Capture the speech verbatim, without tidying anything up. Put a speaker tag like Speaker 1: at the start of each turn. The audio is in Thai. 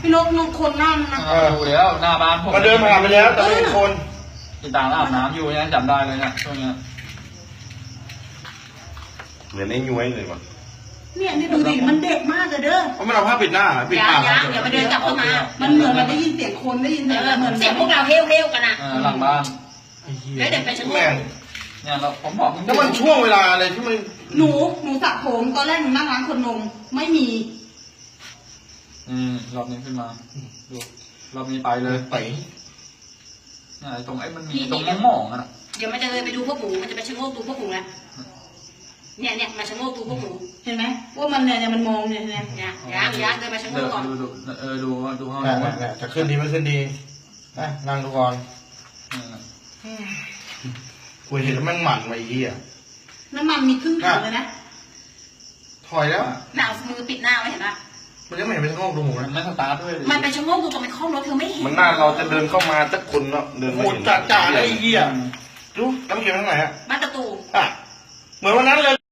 Speaker 1: พี่นกนกคนนั่งนะ
Speaker 2: เออดูแล้วหน้าบ้านผม
Speaker 3: มาเดินผ่านไปแล้วแต่ไม่เห็นคน
Speaker 2: ติดตามอาบน้ำอยู่เนี่ยจำได้เลยเนี่ยช่วงเนี้ย
Speaker 3: เหมือนไอ้ย้วยเลยว่ะ
Speaker 1: เนี่ยนี่ดูดิมันเด็กมากเลยเด้อ
Speaker 3: เพราะมันเอาผ้าปิดหน้าปิด
Speaker 4: อย่า
Speaker 3: ปาก
Speaker 4: อย่าอย่ามาเดินกลับเข้ามา
Speaker 1: มันเหมือนมันได้ยินเสียงคนได้ยิน
Speaker 4: เอ
Speaker 1: เสียง
Speaker 4: อ
Speaker 1: เหมือน
Speaker 4: เสียงพวกเราเฮลเฮลกันอ่ะ
Speaker 2: เออหลังบ้าน
Speaker 3: ไอ้เหี้ย
Speaker 4: แล้วเดี๋ยวไปชะโงก
Speaker 3: แม่ง
Speaker 2: เนี่ยเราผมบอก
Speaker 3: แล้วมันช่วงเวลาอะไรที่มัน
Speaker 1: หนูหนูสระผมตอนแรกหนูนั่งร้านคนนมไม่มี
Speaker 2: อืมรอบนี้ขึ้นมาดูรอบนี้ไปเลย
Speaker 3: ไป
Speaker 2: เนี่ยไอ้ตรงไอ้มันมีตรงมองๆอ่ะ
Speaker 4: เดี๋ยวมันจะเลยไปดูพวกหมูมันจะไปชะโงกดูพวกหมูแล้วเนี่ยเนี่ยมาชะโงกดูพวกหมู
Speaker 1: เห็นไหมว่ามันเนี่ยเนี่ยมันมองเนี่ยเนี่ย
Speaker 4: เนี่ยยางยางเดินมาชะโง
Speaker 2: เดี๋ย
Speaker 4: ก
Speaker 2: ว
Speaker 4: ก่อน
Speaker 2: ดูดูเออดูดูห้อง
Speaker 3: น่ะ
Speaker 2: นู้น
Speaker 3: น่ะน่ะจะขึ้นดีไม่ขึ้นดีนะนั่งดูก่อน
Speaker 2: เออ
Speaker 3: กูเห็นแล้วแม่งหมั่นไว้ไอ้เหี้ย
Speaker 1: น้ำมันมีครึ่งถังเลยนะ
Speaker 3: ถอยแล้ว
Speaker 4: หนาวมือปิดหน้าไว้เห็นปะ
Speaker 3: มันยังไม่เห็นเป็นห้องดูหมู
Speaker 2: มัน
Speaker 3: นะ
Speaker 2: ไม่สตาร์ทด้วยดิ
Speaker 4: มันไปชะโงกดูตรงในห้องรถเธอไม่เห็น
Speaker 3: มันหน้าเราจะเดินเข้ามาสักคนเนาะเดินมาจ่าจ่าเลยไอ้เหี้ยดูน้ำเขียวทั้งไหนฮะ
Speaker 4: บ้านประตู
Speaker 3: อ่ะเหมือนวันนั้นเลย